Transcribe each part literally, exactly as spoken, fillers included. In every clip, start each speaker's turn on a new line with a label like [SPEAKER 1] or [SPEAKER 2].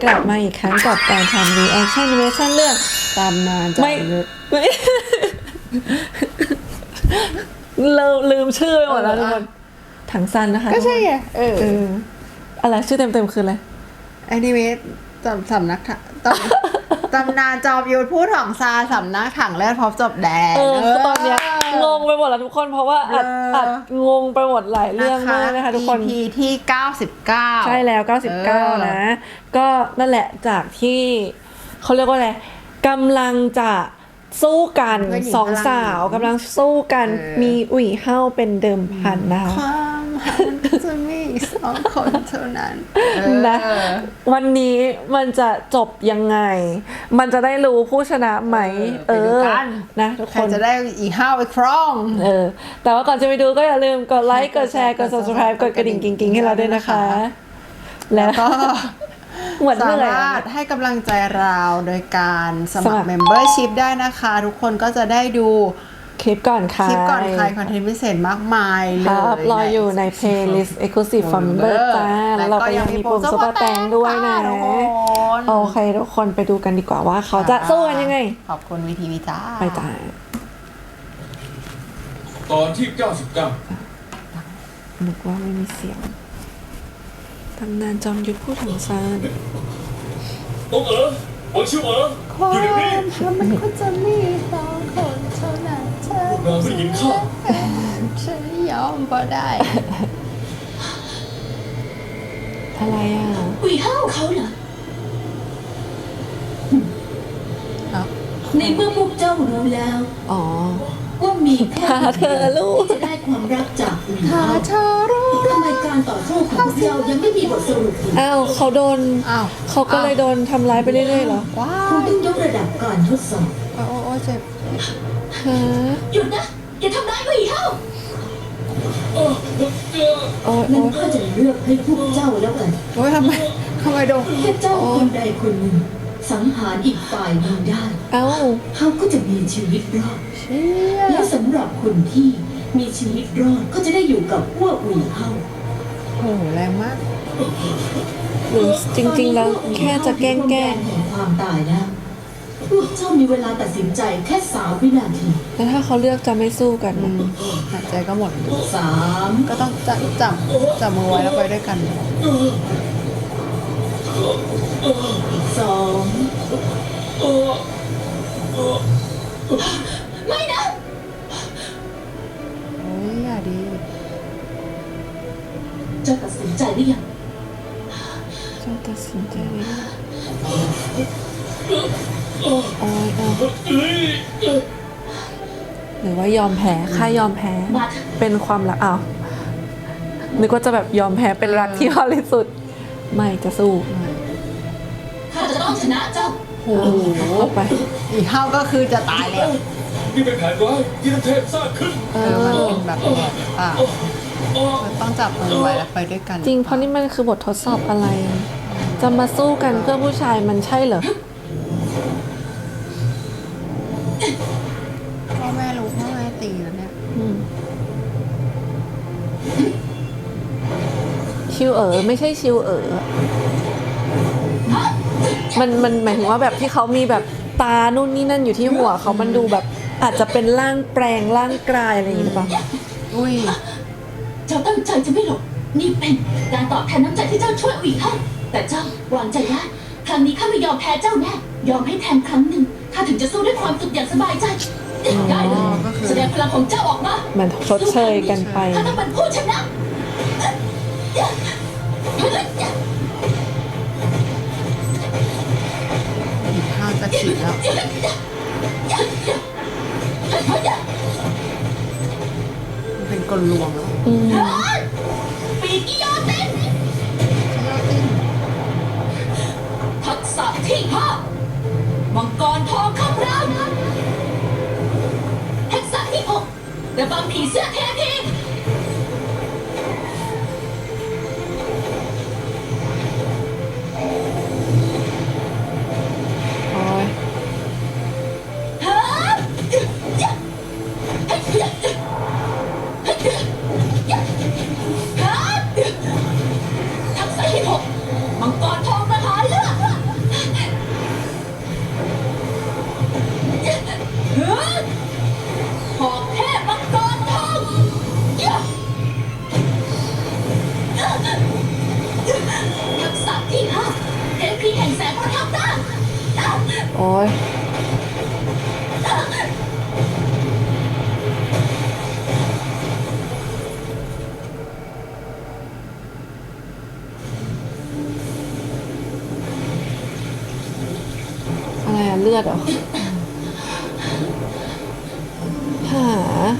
[SPEAKER 1] กลับมาอีกครั้งกับการทำ reaction animation เรื่อง
[SPEAKER 2] ตำนานจอ
[SPEAKER 1] ไม่
[SPEAKER 2] มยุทธ
[SPEAKER 1] ไม่เราลืมชื่อไปหมดแล้วทุกคนถังซันนะคะ
[SPEAKER 2] ก็ใช่ไงเออ
[SPEAKER 1] เอออะไรชื่อเต็มๆคืออะไร
[SPEAKER 2] แอนิเมตจำสำนักถังตำตำนานจอมยุทธผู้ถ่องซาสำนักถังเลือดพบจบแดง
[SPEAKER 1] เออคือตอนเนี้ยงงไปหมดแล้วทุกคนเพราะว่าอัด
[SPEAKER 2] เออ
[SPEAKER 1] อัดงงไปหมดหลายเรื่องมากนะคะทุกคน
[SPEAKER 2] อี พี ที่เก้าสิบเก้า
[SPEAKER 1] ใช่แล้วเก้าสิบเก้านะ ก็นั่นแหละจากที่เขาเรียกว่าอะไรกำลังจะสู้กันสองสาวกำลังสู้กันมีอุ่ยเฮ้าเป็นเดิมพันนะคะ
[SPEAKER 2] ความหันจะมีสองคนเท่านั้น
[SPEAKER 1] นะ
[SPEAKER 2] เออ
[SPEAKER 1] วันนี้มันจะจบยังไง มันจะได้รู้ผู้ชนะไหม
[SPEAKER 2] เออไปดูกัน
[SPEAKER 1] นะทุก
[SPEAKER 2] ใค
[SPEAKER 1] ค
[SPEAKER 2] ร
[SPEAKER 1] น
[SPEAKER 2] จะได้อีห้าวไปครอง
[SPEAKER 1] เออแต่ว่าก่อนจะไปดูก็อย่าลืมกดไลค์กดแชร์กด subscribe กดกระดิ่งกิ๊งๆให้เราด้วยนะคะ แล้ว
[SPEAKER 2] ก็
[SPEAKER 1] เหมือน
[SPEAKER 2] สา
[SPEAKER 1] เมื่อไหร่
[SPEAKER 2] มารถให้กำลังใจเราโดยการส
[SPEAKER 1] ส
[SPEAKER 2] มั
[SPEAKER 1] มั
[SPEAKER 2] ค
[SPEAKER 1] ค
[SPEAKER 2] ร
[SPEAKER 1] ร
[SPEAKER 2] membership ได้นะคะ ทุกคนก็จะได้ดู
[SPEAKER 1] คลิปก่อนค่ะ
[SPEAKER 2] คลิปก่อนใครคอนเทนต์พิเศษมากมายเล
[SPEAKER 1] ค
[SPEAKER 2] ย
[SPEAKER 1] รับรออยู่ใน playlist exclusive for member จ้าแล้วเราก็ยังมีปุ่ม super แตงด้วยนะ
[SPEAKER 2] ทุกคน
[SPEAKER 1] โอเคทุกคนไปดูกันดีกว่าว่าเขาจะสู้กันยังไง
[SPEAKER 2] ขอบคุณวีทีวีจ้า
[SPEAKER 1] ไปจ้า
[SPEAKER 3] ตอนที่เก้าสิบเก้า
[SPEAKER 1] นึกว่าไม่มีเสียงตำนานจอมยุทธผู้ถังซาน
[SPEAKER 3] องเอ๋อหวังชิวเอ๋อ
[SPEAKER 2] ควา
[SPEAKER 3] อยู่เดี๋ยวนี้
[SPEAKER 2] มหันมันควรจะมีสองคนเท่านั้นเธอ
[SPEAKER 3] พวกเราไม่ยินข้า
[SPEAKER 2] ฉันยอมก็ได้
[SPEAKER 1] อะไรอ่ะ
[SPEAKER 4] อุยเฮ้าเขาเหรอ
[SPEAKER 2] เอ้า
[SPEAKER 4] ในเมื่อพวกเจ้ารู้แล้ว
[SPEAKER 1] อ๋อ
[SPEAKER 4] ว่ามีแค่
[SPEAKER 1] หาเธอลูก
[SPEAKER 4] ที่จะได้ความรักจากอุย
[SPEAKER 2] ถ้า
[SPEAKER 4] เฮ้า
[SPEAKER 2] เธอรู้
[SPEAKER 4] ทำไมการต่อสู้ของพวกเจ้ายังไม่มีบทสรุปอีก
[SPEAKER 1] อ้าวเขาโดน
[SPEAKER 2] อ้าว
[SPEAKER 1] เขาก็เลยโดนทำร้ายไปเรื่อยๆเหรอ
[SPEAKER 2] ว้า
[SPEAKER 4] คุณ
[SPEAKER 2] ว
[SPEAKER 4] ต้องยกระดับการทดสอบ
[SPEAKER 2] โอ้โอ้เจ็บ
[SPEAKER 1] ฮะ
[SPEAKER 4] หยุดนะ อย่าทำร้ายอุยเฮ้า
[SPEAKER 1] โอ้ย
[SPEAKER 4] งั้
[SPEAKER 1] โอ้
[SPEAKER 4] น
[SPEAKER 1] ย
[SPEAKER 4] ก็จะเลือกให้พวกเจ้าแล้วกัน
[SPEAKER 2] โอ้ยทำไมทำไมโดน
[SPEAKER 4] แค่เจ้าคนใดคนหนึ่งสังหารอีกฝ่ายหนึ่งได้
[SPEAKER 1] เอ้า
[SPEAKER 4] เขาก็จะมีชีวิตรอด
[SPEAKER 2] เชี่ย
[SPEAKER 4] และสำหรับคนที่มีชีวิตรอดก็จะได้อยู่กับพวกอุยเฮ้า
[SPEAKER 2] โอ้โหแรงมาก
[SPEAKER 1] หรือจริงๆแล้วแค่จะแกล้งแกล้ง
[SPEAKER 4] แห่งความตายแล้วพวกเจ้ามีเวลาตัดสินใจแค่สามวินาที
[SPEAKER 1] แล้วถ้าเขาเลือกจะไม่สู้กัน
[SPEAKER 2] อื
[SPEAKER 1] นะ
[SPEAKER 2] มหายใจก็หมด
[SPEAKER 4] สาม
[SPEAKER 2] ก็ต้องจับจับจับมือไว้แล้วไปด้วยกัน
[SPEAKER 4] สองไม่นะ
[SPEAKER 2] โอ้ยอย่าดี
[SPEAKER 4] เจ้าตัดสินใจหรือยัง
[SPEAKER 1] เจ้าตัดสินใจได้ยังโอ้ยเอาหรือว่ายอมแพ้ค่ายอมแพ้
[SPEAKER 4] มาเถอะ
[SPEAKER 1] เป็นความรักอ้าวนึกว่าจะแบบยอมแพ้เป็นรักที่บริสุทธิ์ไม่จะสู้
[SPEAKER 4] ข้าจะต้องชนะเจ้า
[SPEAKER 2] โอ้โห
[SPEAKER 1] เข้าไป
[SPEAKER 2] อีกเท่าก็คือจะตายแล้ว
[SPEAKER 3] นี่เป็นแผนร้ายที่ท่านเทพสร้างขึ้น
[SPEAKER 1] เอ
[SPEAKER 2] เออ
[SPEAKER 1] อ
[SPEAKER 2] มันเป็นแบบแบบอ่ะมันต้องจับมือไว้แล้วไปด้วยกัน
[SPEAKER 1] จริงเพราะนี่มันคือบททดสอบอะไร จะมาสู้กันเพื่อผู้ชายมันใช่เหรอ
[SPEAKER 2] พ่อแม่รู้พ่อแม่ตีแล้วเนี่ย
[SPEAKER 1] อืมชิวเอ๋อไม่ใช่ชิวเอ๋อมันมันหมายถึงว่าแบบที่เขามีแบบตานู่นนี่นั่นอยู่ที่หัวเขามันดูแบบอาจจะเป็นร่างแปลงร่างกลายอะไรอย่างงี้หรือเปล่า
[SPEAKER 2] อุ้ย
[SPEAKER 4] เจ้าตั้งใจจะไม่หลบนี่เป็นการตอบแทนน้ำใจที่เจ้าช่วยอุยเฮ้าแต่เจ้าวางใจได้ครั้งนี้ข้าไม่ยอมแพ้เจ้าแน่ยอมให้แทนครั้งหนึ่งข้าถึงจะสู้ด้วยความสุขอย่างสบายใจได้เลยแสดงพลังของเจ้าออกมา
[SPEAKER 1] มันชดเชยกันไป
[SPEAKER 4] ข้าต้องเป็นผู้ชนะ
[SPEAKER 2] อีกเท่าจะฉีดแล้วมันเป็นกลลวงแล้ว
[SPEAKER 1] อืม
[SPEAKER 4] ปีกกิโยติน
[SPEAKER 2] ใช่ยอดติ้ง
[SPEAKER 4] ทักษะที่ห้ามังกรทองคำรามทักษะที่หกระบำผีเสื้อเทพี
[SPEAKER 1] โอ้ย
[SPEAKER 4] ฮะทักษะที่หกมังกรทองประหารเลือด
[SPEAKER 1] โอ้ยอะไรอะเลือดเหรอหา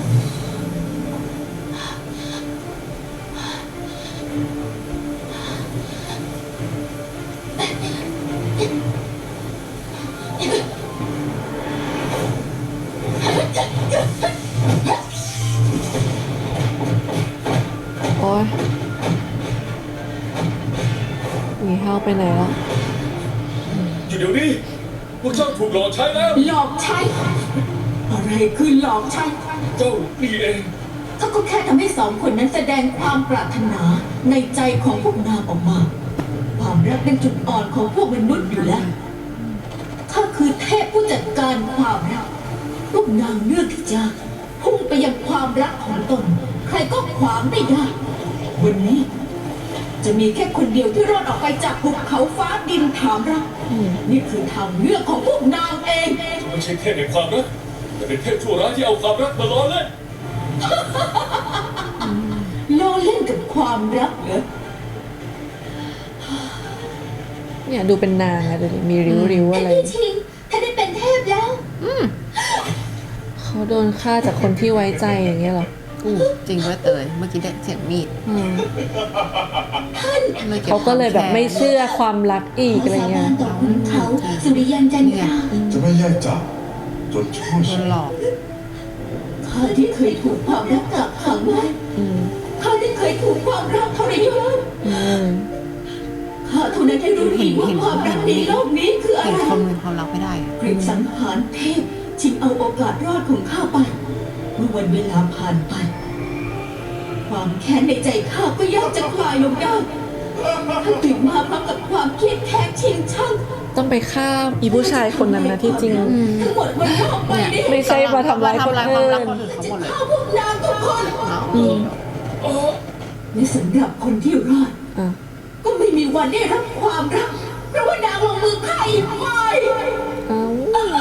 [SPEAKER 1] โอ้ยหนีเฮาไปไหนแล้ว
[SPEAKER 3] อยู่เดี๋ยวนี้พวกเจ้าถูกหลอกใช้แล้ว
[SPEAKER 4] หลอกใช้ อะไรคือหลอกใช้
[SPEAKER 3] เจ้านี่เอง
[SPEAKER 4] เขาก็แค่ทำให้สองคนนั้นแสดงความปรารถนาในใจของพวกนางออกมา ความรักเป็นจุดอ่อนของพวกมนุษย์อยู่แล้วข้าคือเทพผู้จัดการความรักพวกนางเลือกที่จะพุ่งไปยังความรักของตน ใครก็ขวางไม่ได้ วันนี้ จะมีแค่คนเดียวที่รอดออกไปจากภูเขาฟ้าดินถามรักนี่คือทางเลือกของพวกนางเอง
[SPEAKER 3] ไม่ใช่เทพแห่งความรักแต่เป็นเทพชั่วร้ายที่เอาความรักมาล้อเล่น
[SPEAKER 4] ล้อเล่นกับความรักเหรอ
[SPEAKER 1] เนี่ยดูเป็นนางอะดูดิมีริ้วริ้วๆอะไร
[SPEAKER 4] พี่ชิงถ้าได้เป็นเทพแล้ว
[SPEAKER 1] เขาโดนฆ่าจากคนที่ไว้ใจอย่างเงี้ยเหรอ
[SPEAKER 2] อู้จริงด้วยเตยเมื่อกี้ได้เสียงมีด
[SPEAKER 1] อืม
[SPEAKER 2] เลยก็บ
[SPEAKER 1] เขาก็เลยแบบไม่เชื่อความรักอีกอะไร
[SPEAKER 4] สา
[SPEAKER 1] เงี้
[SPEAKER 4] บาย นต่อขุนเขาสุริยันจันทรา
[SPEAKER 5] จะไม่แยกจากจนช่วย
[SPEAKER 2] โดนหลอก
[SPEAKER 4] ข้าที่เคยถูกความรักกักขังไว้
[SPEAKER 1] อืม
[SPEAKER 4] ข้าที่เคยถูกความรักทรยศ
[SPEAKER 1] อืม
[SPEAKER 4] ข้าเท่านั้นที่รู้ดีว่าความรักในโลกนี้คืออะ
[SPEAKER 2] เห็น
[SPEAKER 4] ไร
[SPEAKER 2] คนมีความรักไม่ได้
[SPEAKER 4] กรีดสังหารเทพชิงเอาโอกาสรอดของข้าไป เมื่อวันเวลาผ่านไป ความแค้นในใจข้าก็ยากจะคลายลงได้ท่านตื่นมาพร้อมกับความเครียดแค้นชิงช่าง
[SPEAKER 1] ต้องไปฆ่าอีผู้ชายคนนั้นนะที่จริง
[SPEAKER 4] ทั้งหมดมันนอกไปนี่
[SPEAKER 1] ไม่ใช่มาทำร้ายคน
[SPEAKER 2] ทำลายความ
[SPEAKER 1] อื่
[SPEAKER 2] รัก
[SPEAKER 1] น
[SPEAKER 2] คนอื่นเขาหมดเลย
[SPEAKER 4] ฆ่าพวกนางทุกคน
[SPEAKER 2] เนาะ
[SPEAKER 4] และสำหรับคนที่รอด
[SPEAKER 1] อ่ะ
[SPEAKER 4] ก็ไม่มีวันได้รับความรัก เพราะว่านางลงมือฆ่าอีกฝ่าย
[SPEAKER 1] เอ้า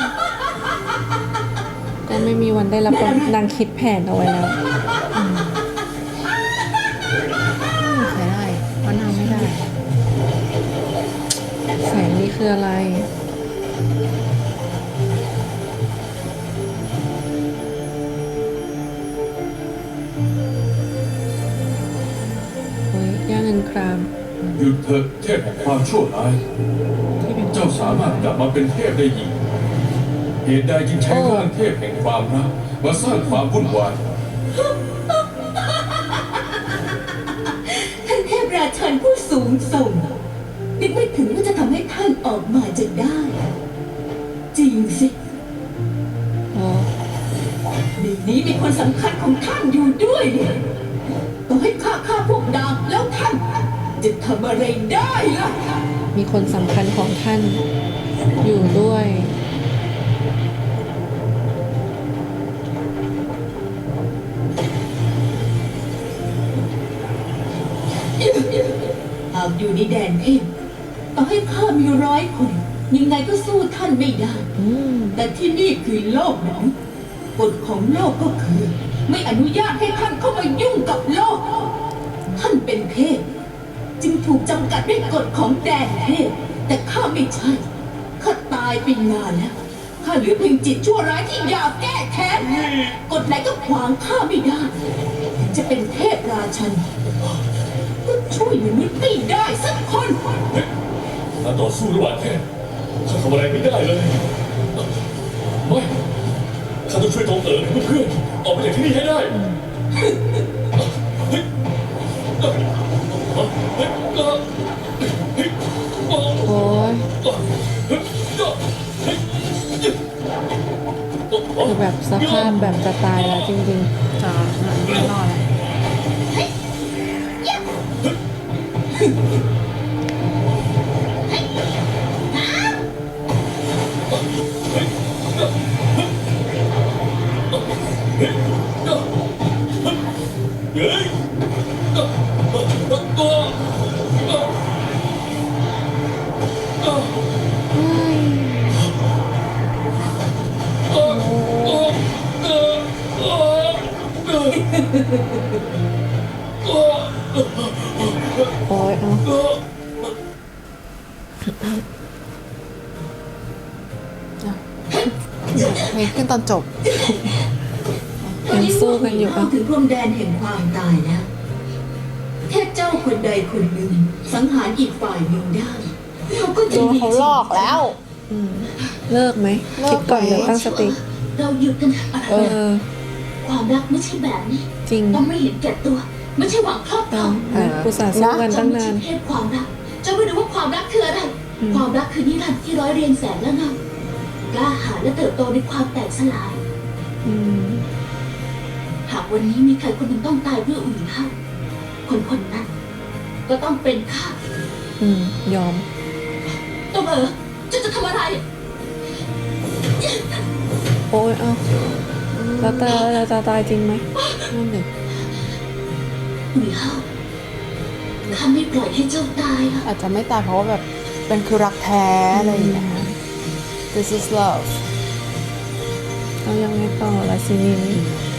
[SPEAKER 1] ก็ไม่มีวันได้รับผลนางคิดแผนเอาไว้แล้ว
[SPEAKER 2] ใช้ได้เพราะนางไม่ได้
[SPEAKER 1] แสงนี่คืออะไร เฮ้ยย่าเงินคราม
[SPEAKER 3] หยุดเถอะเทพแห่งความชั่วร้าย
[SPEAKER 1] ที่เป็น
[SPEAKER 3] เจ้าสามารถกลับมาเป็นเทพได้อีก เหตุใดจึงใช้ร่างเทพแห่งความรักมาสร้างความวุ่นวาย
[SPEAKER 4] ท่านเทพราชันผู้สูงส่งนึกไม่ถึงว่าจะทำให้ท่านออกมาจะได้ จริงสิ
[SPEAKER 1] อ๋อ
[SPEAKER 4] ในนี้มีคนสำคัญของท่านอยู่ด้วยเนี่ยต้องให้ข้าฆ่าพวกนางแล้วท่านจะทำอะไรได้ล่ะ
[SPEAKER 1] มีคนสำคัญของท่านอยู่ด้วย
[SPEAKER 4] หากอยู่ในแดนเทพต่อให้ข้ามีร้อยคนยังไงก็สู้ท่านไม่ได้
[SPEAKER 1] อืม
[SPEAKER 4] แต่ที่นี่คือโลกมนุษย์กฎของโลกก็คือ ไม่อนุญาตให้ท่านเข้ามายุ่งกับโลก ท่านเป็นเทพจึงถูกจำกัดด้วยกฎของแดนเทพแต่ข้าไม่ใช่ข้าตายไปนานแล้วข้าเหลือเพียงจิตชั่วร้ายที่อยากแก้แค้นกฎไหนก็ขวางข้าไม่ได้ถึงจะเป็นเทพราชันก็ช่วยมนุษย์ไม่ได้สักคน
[SPEAKER 3] การต่อสู้ระหว่างเทพข้าทำอะไรไม่ได้เลย ไม่ข้าต้องช่วยตองเอ๋อเพื่อนๆออกไปจากที่นี่ให้ได้เฮ้ยเฮ้ยเฮ้ยเฮ้ยเฮ้ยเฮ้ย
[SPEAKER 1] โอ้ย
[SPEAKER 3] เฮ้ย
[SPEAKER 1] คือแบบสภาพแบบจะตายแล้วจริง
[SPEAKER 2] จะไม่รอดแล้ว
[SPEAKER 3] เฮ้ย
[SPEAKER 1] ๆโอ้ยเอา
[SPEAKER 2] เพลงขึ้นตอนจบ
[SPEAKER 1] ยังสู้กันอยู่
[SPEAKER 4] เข้า
[SPEAKER 1] อ่ะ
[SPEAKER 4] ถึงพรมแดนแห่งความตายแล้วแค่เจ้าคนใดคนหนึ่งสังหารอีกฝ่ายหนึ่งได้เราก็จะ
[SPEAKER 2] โดน
[SPEAKER 4] มี
[SPEAKER 2] เขาหลอกแล้ว
[SPEAKER 1] เลิกไหม
[SPEAKER 2] เลิก
[SPEAKER 1] คิดก่อน
[SPEAKER 2] ไหม
[SPEAKER 1] เดี๋ยวตั้งสติ
[SPEAKER 4] เราหยุดกันเถอะอะไร
[SPEAKER 1] เออ
[SPEAKER 4] ความรักไม่ใช่แบบนี้
[SPEAKER 1] จริง
[SPEAKER 4] ต้องไม่เห็นแก่ตัว ไม่ใช่หวังครอบคร
[SPEAKER 1] เอา
[SPEAKER 4] อง
[SPEAKER 1] นะกูสาห์สู้กัน
[SPEAKER 4] เจ้า
[SPEAKER 1] ตั้ง
[SPEAKER 4] ไม่
[SPEAKER 1] นา
[SPEAKER 4] ใช่
[SPEAKER 1] น
[SPEAKER 4] เทพความรักเจ้าไม่รู้ว่าความรักคืออะไร ความรักคือนิรันดร์ที่ร้อยเรียงแสนและเงากล้าหาญและเติบโตในความแตกสลาย
[SPEAKER 1] อืม
[SPEAKER 4] หากวันนี้มีใครคนหนึ่งต้องตายเพื่ออุ่นเท่าคนคนนั้น ก็ต้องเป็นข้า
[SPEAKER 1] อืม ยอม
[SPEAKER 4] ตัวเอ๋อเจ้าจะทำอะไร
[SPEAKER 1] โอ้ยเอาแล้วตาเราจะตายจริงไหมนั่นเด็ก
[SPEAKER 4] อุ่นเท่าข้าไม่ปล่อยให้เจ้าตายหรอก
[SPEAKER 2] อาจจะไม่ตายเพราะว่าแบบเป็นคือรักแท้อะไรอย่างเงี้ย This is love
[SPEAKER 1] เอายังไงต่อละซีนีนี้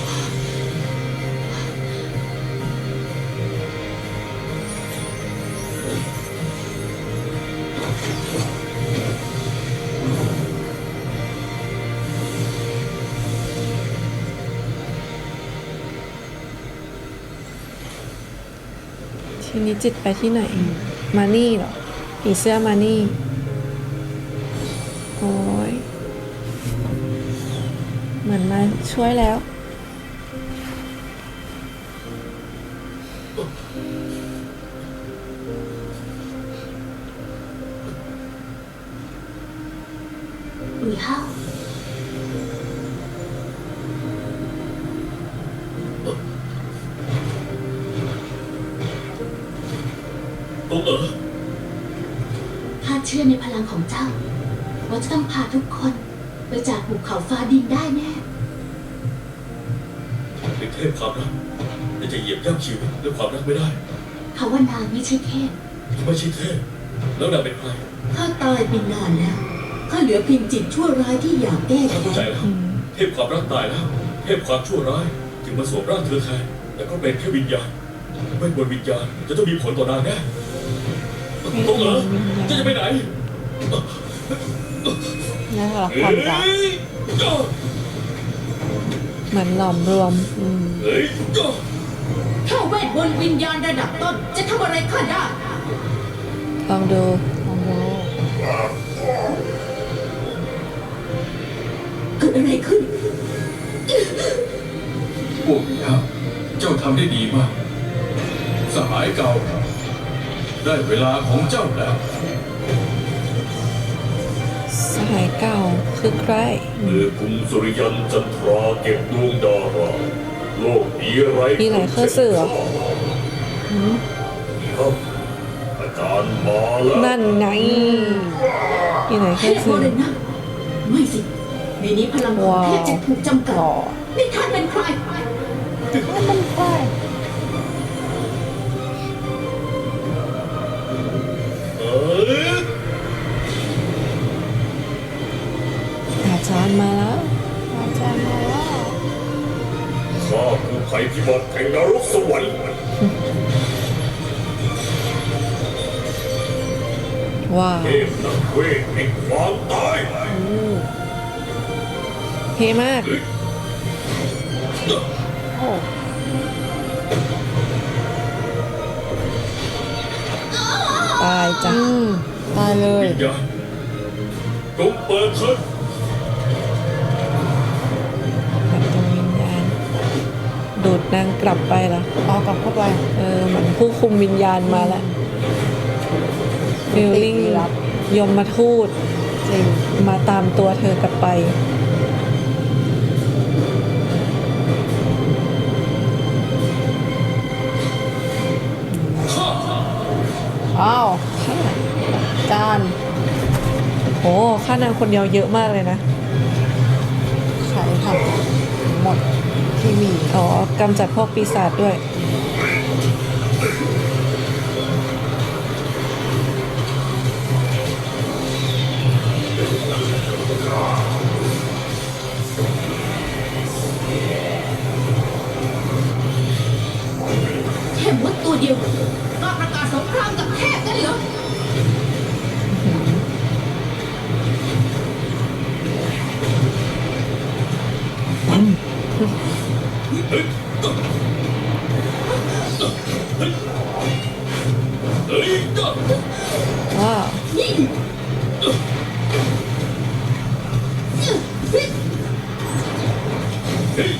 [SPEAKER 1] ทีนี้จิตไปที่ไหน มานี่เหรอผีเสื้อมานี่ โอ้ย เหมือนมาช่วยแล้ว
[SPEAKER 4] อุ่นเท่า
[SPEAKER 3] ตัวเอ๋อ
[SPEAKER 4] ข้าเชื่อในพลังของเจ้า ว่าจะต้องพาทุกคนไปจากภูเขาฟ้าดินได้แน่
[SPEAKER 3] เป็นเทพความรักแต่จะเหยียบย่ำชีวิตด้วยความรักไม่ได้
[SPEAKER 4] เขาว่านางไม่ใช่เทพ
[SPEAKER 3] ไม่ใช่เทพแล้วนางเป็นใคร
[SPEAKER 4] ข้าตายไปนานแล้ว ข้าเหลือเพียงจิตชั่วร้ายที่อยากแก้
[SPEAKER 3] ข้าเข้าใจ
[SPEAKER 4] แค้น
[SPEAKER 3] แล้วเทพความรักตายแล้ว เทพความชั่วร้ายจึงมาสวมร่างเธอแทนแต่ก็เป็นแค่วิญญาณไม่บนวิญญาณจะต้องมีผลต่อนางแน่ตัวเอ๋อเจะจะไปไหน
[SPEAKER 2] นี่คือรักความรัก
[SPEAKER 3] เฮ้ยจ้า
[SPEAKER 1] เหมือนหลอมรวม อืม
[SPEAKER 3] เฮ้ยจ้า
[SPEAKER 4] ถ้าเวทมนต์วิญญาณระดับต้น จะทำอะไรข้าได้
[SPEAKER 1] ลองดู
[SPEAKER 2] ลองดู
[SPEAKER 4] เกิดอะไรขึ้น
[SPEAKER 5] พวกนี้เจ้าทำได้ดีมาก สหายเก่า ได้เวลาของเจ้าแล้ว
[SPEAKER 1] สหายเก่าคือใคร
[SPEAKER 3] เมื่อกุมสุริยันจันทราเก็บดวงดาราโลกนี้ไร
[SPEAKER 1] มีหลายเครื่องสื่อเหรอ
[SPEAKER 3] ครับอาจารย์มาแล้ว
[SPEAKER 1] นั่นไงมีไหน
[SPEAKER 4] เท
[SPEAKER 1] แค่
[SPEAKER 4] พโม
[SPEAKER 1] สื่อ
[SPEAKER 4] เดนะไม่สิ ในนี้พลังของเทพจะถูกจำกัด
[SPEAKER 1] หล่อ
[SPEAKER 4] นี่ท่านเป็นใคร
[SPEAKER 3] เอ้ย
[SPEAKER 1] อาจารย์มาแล้ว
[SPEAKER 2] อาจารย์มาแล้ว
[SPEAKER 3] ข้าคือภัยพิบัติแห่งนรกสวรรค์
[SPEAKER 1] ว้าว
[SPEAKER 3] เทพนักเวทแห่งความตาย
[SPEAKER 1] เท่มาก
[SPEAKER 2] โอ้
[SPEAKER 1] ตายจ้ะ
[SPEAKER 2] อืมตายเลย
[SPEAKER 3] วิญญาณจงเปิดเถิด
[SPEAKER 1] แบบตรงวิญญาณ ดูดนางกลับไปเหรอ
[SPEAKER 2] เอากลับเข้าไป
[SPEAKER 1] เออเหมือนผู้คุมวิญญาณมาแล้วฟีลลิ่ง
[SPEAKER 2] ติดลี้ลับ
[SPEAKER 1] ยมมาทูต
[SPEAKER 2] จริง
[SPEAKER 1] มาตามตัวเธอกลับไป
[SPEAKER 2] อ้าวจาน
[SPEAKER 1] โอ้ค่านางคนเดียวเยอะมากเลยนะ
[SPEAKER 2] ใครทำหมดที่มี
[SPEAKER 1] อ๋อกำจัดพวกปีศาจด้วย
[SPEAKER 3] เเฮ้ยก็
[SPEAKER 1] ว้าว
[SPEAKER 3] เฮ้ย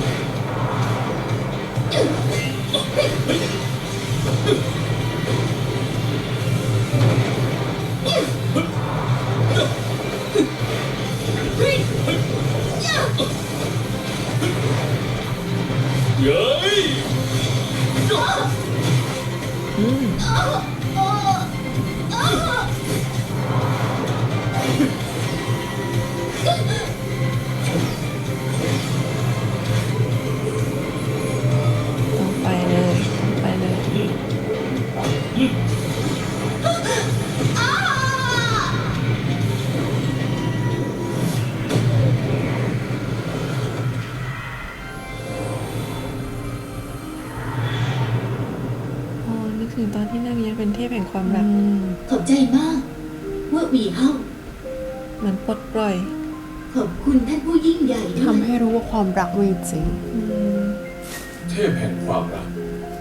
[SPEAKER 3] เย้ย
[SPEAKER 1] ต้องไปเลยต้องไปเลยโอ้นึกถึงตอนที่นางยังเป็นเทพแห่งความรัก
[SPEAKER 4] ขอบใจมากว่าหวีเฮา
[SPEAKER 1] เหมือนปลดปล่อย
[SPEAKER 4] ขอบคุณท่านผู้ยิ่งใหญ่ด้วย
[SPEAKER 2] ทำให้รู้ว่าความรักมีจริง
[SPEAKER 5] เทพแห่งความรัก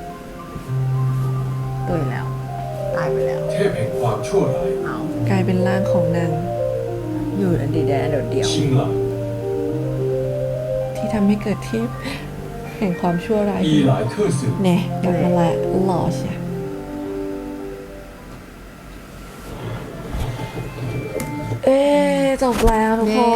[SPEAKER 2] ตุยแล้ว ตายไปแล้ว
[SPEAKER 5] เทพแห่งความชั่วร้าย
[SPEAKER 2] เอา
[SPEAKER 1] กลายเป็นร่างของนาง
[SPEAKER 2] อยู่อันดีแดนเดียวเดียว
[SPEAKER 5] ชิงหลัง
[SPEAKER 1] ที่ทำให้เกิดเทพแห่งความชั่วร้าย
[SPEAKER 5] อีหลายเครื่องสืบ
[SPEAKER 1] แน่กลับมาละหล่อใช่เอ๊ะจบแล้วทุกคน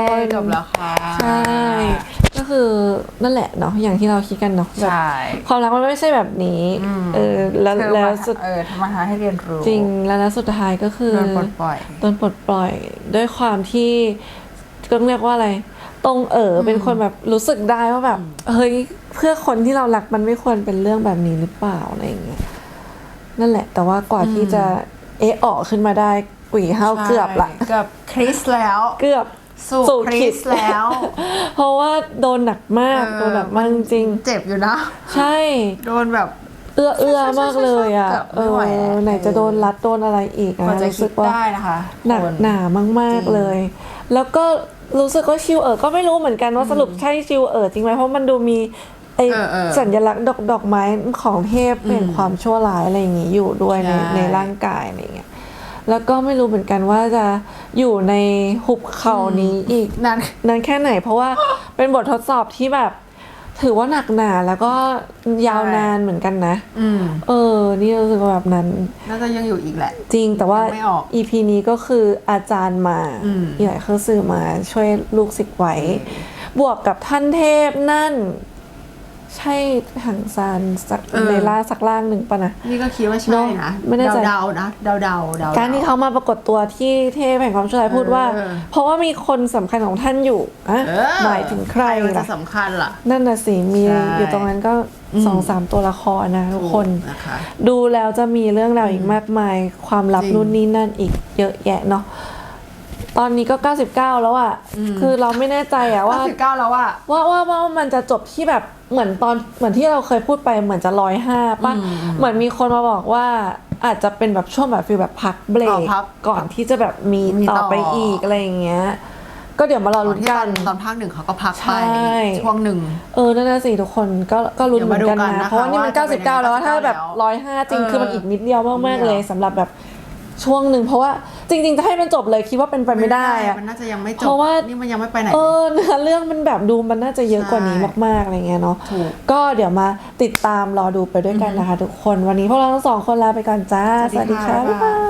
[SPEAKER 2] จบแล้วค่ะ
[SPEAKER 1] ใช่ ก็คือนั่นแหละเนาะอย่างที่เราคิดกันเนาะแบบ
[SPEAKER 2] ใช่
[SPEAKER 1] ความรักมันไม่ใช่แบบนี้
[SPEAKER 2] อืม
[SPEAKER 1] เออแล้ว
[SPEAKER 2] เธอ
[SPEAKER 1] แล้ว
[SPEAKER 2] มา
[SPEAKER 1] สุด
[SPEAKER 2] เออทำมาหาให้เรียนรู้
[SPEAKER 1] จริงแล้วแล้วสุดท้ายก็คือ
[SPEAKER 2] โดนปลดปล่อย
[SPEAKER 1] โดนปลดปล่อยด้วยความที่ก็เรียกว่าอะไร ตรงเอ๋อเป็นคนแบบรู้สึกได้ว่าแบบเฮ้ยเพื่อคนที่เรารักมันไม่ควรเป็นเรื่องแบบนี้หรือเปล่าอะไรอย่างเงี้ยนั่นแหละ แต่ว่ากว่าที่จะเอะออกขึ้นมาได้กุ๋ยเฮาเกือบละ
[SPEAKER 2] เกือบคริสแล้ว
[SPEAKER 1] เกือบ
[SPEAKER 2] สู่คริสแล้ว
[SPEAKER 1] เพราะว่าโดนหนักมาก
[SPEAKER 2] เออ
[SPEAKER 1] โดนหนักมากจริง
[SPEAKER 2] เจ็บอยู่นะ
[SPEAKER 1] ๆใช่
[SPEAKER 2] โดนแบบ
[SPEAKER 1] เอื้อเอื้อมากเลยอ่ะ
[SPEAKER 2] เกือบ
[SPEAKER 1] เอ
[SPEAKER 2] ไม่ไหว
[SPEAKER 1] อ
[SPEAKER 2] แล้ว
[SPEAKER 1] ไหนจะโดนรัดโดนอะไรอีก
[SPEAKER 2] กว่า
[SPEAKER 1] นะ
[SPEAKER 2] จะ
[SPEAKER 1] รู้
[SPEAKER 2] คิ
[SPEAKER 1] สึ
[SPEAKER 2] ด
[SPEAKER 1] กว่า
[SPEAKER 2] ได้นะคะ
[SPEAKER 1] หนัก
[SPEAKER 2] คน
[SPEAKER 1] หนามาก
[SPEAKER 2] จริง
[SPEAKER 1] ๆเลย แล้วก็รู้สึกว่าชิวเอ๋อก็ไม่รู้เหมือนกันว่าสรุปใช่ชิวเอ๋อจริงไหมเพราะมันดูมีไอ
[SPEAKER 2] เออเออ
[SPEAKER 1] สัญลักษณ์ดอกดอกไม้ของเทพเป็นความชั่วร้ายอะไรอย่างงี้อยู่ด้วยใน
[SPEAKER 2] ใช่
[SPEAKER 1] ในร่างกายอะไรอย่างเงี้ยแล้วก็ไม่รู้เหมือนกันว่าจะอยู่ในหุบเขานี้อีก
[SPEAKER 2] นั่น
[SPEAKER 1] นานแค่ไหนเพราะว่า เป็นบททดสอบที่แบบ ถือว่าหนักหนาแล้วก็ยาวนานเหมือนกันนะ
[SPEAKER 2] อืม
[SPEAKER 1] เออ นี่รู้สึกว่าแบบนั้น
[SPEAKER 2] น่าจะยังอยู่อีกแหละ
[SPEAKER 1] จริงแต่ว่า
[SPEAKER 2] ยังไม่ออก
[SPEAKER 1] อี พี นี้ก็คืออาจารย์มา
[SPEAKER 2] อืม
[SPEAKER 1] ใหญ่เครือสื่อมาช่วยลูกศิษย์ไว้ บวกกับท่านเทพนั่น ใช่หังซานสักในล่าสักล่างหนึ่งปะนะ
[SPEAKER 2] นี่ก็คิดว่า
[SPEAKER 1] เน
[SPEAKER 2] ใช่
[SPEAKER 1] อะ
[SPEAKER 2] นะ
[SPEAKER 1] ไม่แน่ใจ
[SPEAKER 2] เดาๆนะเดาๆเดาเดา
[SPEAKER 1] การที่เขามาปรากฏตัวที่เทพแห่งความชั่วร้ายพูดว่า
[SPEAKER 2] เออ
[SPEAKER 1] เพราะว่ามีคนสำคัญของท่านอยู่อะ
[SPEAKER 2] เออ
[SPEAKER 1] หมายถึงใคร
[SPEAKER 2] มันจะ
[SPEAKER 1] ล่ะ
[SPEAKER 2] สำคัญล่ะ
[SPEAKER 1] นั่นน่ะสิมี
[SPEAKER 2] ใช่
[SPEAKER 1] อยู่ตรงนั้นก็สองสามตัวละครนะทุกคน
[SPEAKER 2] นะคะ
[SPEAKER 1] ดูแล้วจะมีเรื่องราวอีกมากมาย ความลับ
[SPEAKER 2] จริง
[SPEAKER 1] นู่นนี่นั่นอีกเยอะแยะเนาะตอนนี้ก็เก้าสิบเก้าแล้วอะคือเราไม่แน่ใจอะว่า
[SPEAKER 2] ว่าสิบเก้าแล้วอะ
[SPEAKER 1] ว่าว่าว่ามันจะจบที่แบบเหมือนตอนเหมือนที่เราเคยพูดไปเหมือนจะร้อยห้าป่ะเหมือนมีคนมาบอกว่าอาจจะเป็นแบบช่วงแบบฟีลแบบพักเบร
[SPEAKER 2] อ๋อก พัก
[SPEAKER 1] ก่อนที่จะแบบมี
[SPEAKER 2] มี
[SPEAKER 1] ต่อ
[SPEAKER 2] ต่อ
[SPEAKER 1] ไปอีกอะไรอย่างเงี้ย ก็เดี๋ยวมารอ
[SPEAKER 2] ตอ
[SPEAKER 1] ลุ้
[SPEAKER 2] น
[SPEAKER 1] น
[SPEAKER 2] ที่ต
[SPEAKER 1] กั
[SPEAKER 2] อน นตอนภาคหนึ่งเขาก็พัก
[SPEAKER 1] ใช่
[SPEAKER 2] ไปช่วงหนึ่ง
[SPEAKER 1] เออนั่นน่ะสิทุกคนก็ก็ลุ้นเหมือนกัน
[SPEAKER 2] เดี๋ยวมาดูกัน
[SPEAKER 1] นะ
[SPEAKER 2] นะคะ
[SPEAKER 1] เพราะว่านี่มัน
[SPEAKER 2] ว่าจะเป็น
[SPEAKER 1] เก้าสิบเก้าแล้ว
[SPEAKER 2] ยังไง
[SPEAKER 1] ถ้าแบบ
[SPEAKER 2] แล้ว
[SPEAKER 1] ร้อยห้าจริง
[SPEAKER 2] เออ
[SPEAKER 1] คือมันอีกนิดเดียวมากๆเลย
[SPEAKER 2] นิดเดียว
[SPEAKER 1] สำหรับแบบช่วงหนึ่งเพราะว่าจริง ๆ จะให้มันจบเลยคิดว่าเป็นไปไม่ได้อะ
[SPEAKER 2] มันน่าจะยังไม่จบ
[SPEAKER 1] เพราะว่า
[SPEAKER 2] นี่มันยังไม่ไปไหน
[SPEAKER 1] เออเนื้อเรื่องมันแบบดูมันน่าจะเยอะกว่านี้
[SPEAKER 2] ใช่
[SPEAKER 1] มากๆอะไรเงี้ยเนาะ
[SPEAKER 2] ถูก
[SPEAKER 1] ก็เดี๋ยวมาติดตามรอดูไปด้วยกันนะคะทุกคนวันนี้พวกเราทั้งสองคนลาไปก่อนจ้า
[SPEAKER 2] สวัสดีค่ะ
[SPEAKER 1] บ๊ายบาย